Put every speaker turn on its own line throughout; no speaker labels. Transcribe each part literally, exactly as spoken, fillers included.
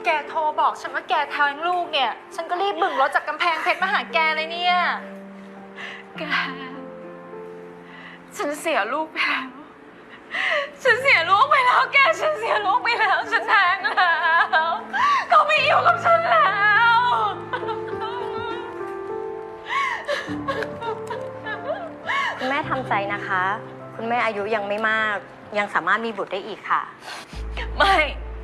แกโทรบอกฉันว่าแกแท้งลูกเนี่ยฉันก็รีบบึ่งรถจากกำแพงเพชรมาหาแกเลยเนี่ยแกฉันเสียลูกไปแล้วฉันเสียลูกไปแล้วแกฉันเสียลูกไปแล้วฉันแท้งแล้วเขาไม่อยู่กับฉันแล้ว
คุณแม่ทำใจนะคะคุณแม่อายุยังไม่มากยังสามารถมีบุตรได้อีกค่ะ
ไม่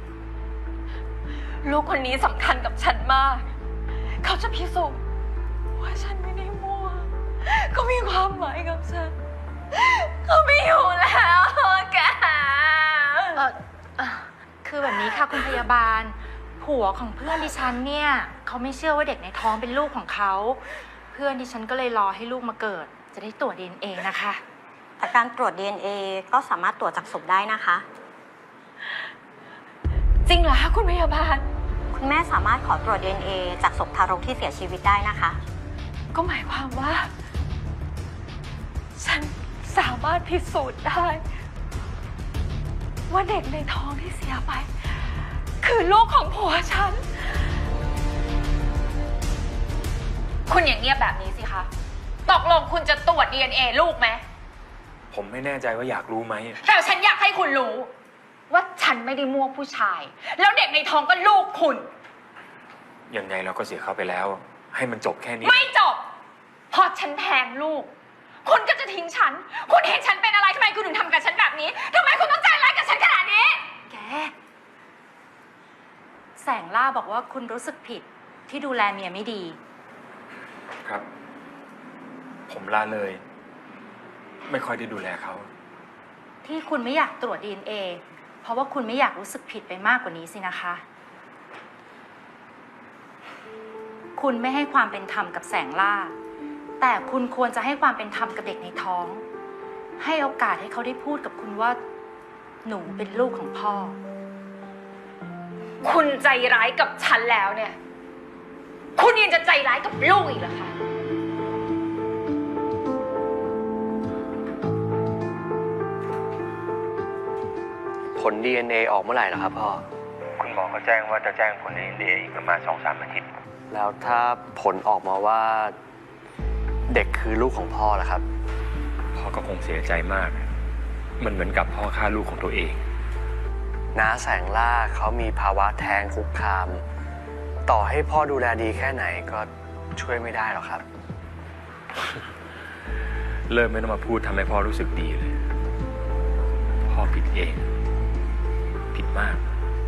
ลูกคนนี้สำคัญกับฉันมากเขาจะพิสูจน์ว่าฉันไม่ได้มั่วเขามีความหมายกับฉันเขาไม่อยู่แล้วแกเออเออคือแบบนี้ค่ะคุณพยาบาลผัวของเพื่อนดิฉันเนี่ยเขาไม่เชื่อว่าเด็กในท้องเป็นลูกของเขาเพื่อนดิฉันก็เลยรอให้ลูกมาเกิดจะได้ตรวจ ดี เอ็น เอ นะคะ
แต่การตรวจ ดี เอ็น เอ ก็สามารถตรวจจากศพได้นะคะ
จริงเหรอคะคุณพยาบาล
คุณแม่สามารถขอตรวจ ดี เอ็น เอ จากศพทารกที่เสียชีวิตได้นะคะ
ก็หมายความว่าฉันสามารถพิสูจน์ได้ว่าเด็กในท้องที่เสียไปคือลูกของผัวฉันคุณอย่างเงียบแบบนี้สิคะตกลงคุณจะตรวจ ดี เอ็น เอ ลูกไหม
ผมไม่แน่ใจว่าอยากรู้ไหม
แต่ฉันอยากให้คุณรู้ว่าฉันไม่ได้มั่วผู้ชายแล้วเด็กในท้องก็ลูกคุณ
ยังไงเราก็เสียเขาไปแล้วให้มันจบแค่นี้
ไม่จบพอฉันแทงลูกคุณก็จะทิ้งฉันคุณเห็นฉันเป็นอะไรทำไมคุณถึงทำกับฉันแบบนี้ทำไมคุณต้องใจร้ายกับฉันขนาดนี้แกแสงล่าบอกว่าคุณรู้สึกผิดที่ดูแลเมียไม่ดี
ครับผมละเลยไม่ค่อยได้ดูแลเขา
ที่คุณไม่อยากตรวจ ดี เอ็น เอ เพราะว่าคุณไม่อยากรู้สึกผิดไปมากกว่านี้สินะคะคุณไม่ให้ความเป็นธรรมกับแสงล่าแต่คุณควรจะให้ความเป็นธรรมกับเด็กในท้องให้โอกาสให้เขาได้พูดกับคุณว่าหนูเป็นลูกของพ่อคุณใจร้ายกับฉันแล้วเนี่ยคุณยังจะใจร้ายกับลูกอีกเหรอคะ
ผล ดี เอ็น เอ ออกเมื่อไหร่ล่ะครับพ่อ
คุณหมอเขาแจ้งว่าจะแจ้งผล ดี เอ็น เอ อีกประมาณ สองสาม อาทิตย์
แล้วถ้าผลออกมาว่าเด็กคือลูกของพ่อล่ะครับ
พ่อก็คงเสียใจมากมันเหมือนกับพ่อฆ่าลูกของตัวเอง
น้าแสงล่าเขามีภาวะแท้งคุกคามต่อให้พ่อดูแลดีแค่ไหนก็ช่วยไม่ได้หรอกครับ
เริ่มไม่ต้องมาพูดทำให้พ่อรู้สึกดีเลยพ่อผิดเองผิดมาก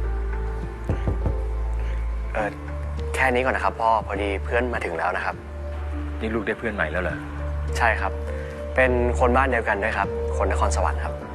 เออแค่นี้ก่อนนะครับพ่อพอดีเพื่อนมาถึงแล้วนะครับ
นี่ลูกได้เพื่อนใหม่แล้วเหรอ
ใช่ครับเป็นคนบ้านเดียวกันด้วยครับคนนครสวรรค์ครับ